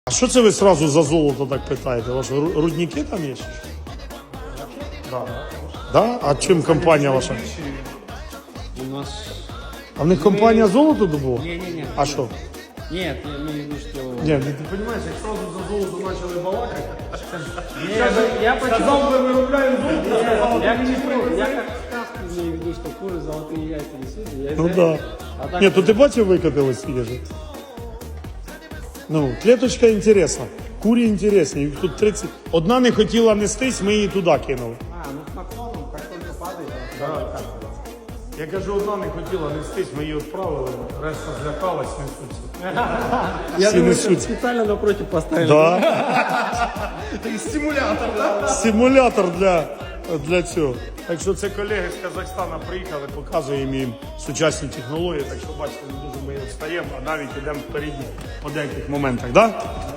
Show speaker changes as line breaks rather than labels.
А що це ви сразу за золото так питаєте? Ваші рудники там є?
Да.
Да? А чим компанія ваша?
У нас...
А в них компанія золото добула?
Не-не-не.
А що?
Нет, я имею в виду, что...
Ні, ти розумієш, як сразу за золото почали балакати,
Я почему...
сказав би виробляємо золото,
Я как сказку имею в виду, что куры золотые яйца несут.
ну да.
А так...
Ні, то ти бачив, викотилось свіже? Ну, клеточка інтересна, курі інтересні, їх тут 30. Одна не хотіла нестись, ми її туди кинули.
А, ну с наклоном, как только падает,
Да. Я кажу, одна не хотіла нестись, ми її відправили, решта злякалась, несуться.
Я
Всі
думаю,
несуться.
специально напротив поставили.
Да.
Стимулятор, да?
Симулятор для цього. Так що це колеги з Казахстана приїхали, показуємо їм сучасні технології, так що бачите, не дуже ми відстаємо, а навіть йдемо впереді по деяких моментах. Да?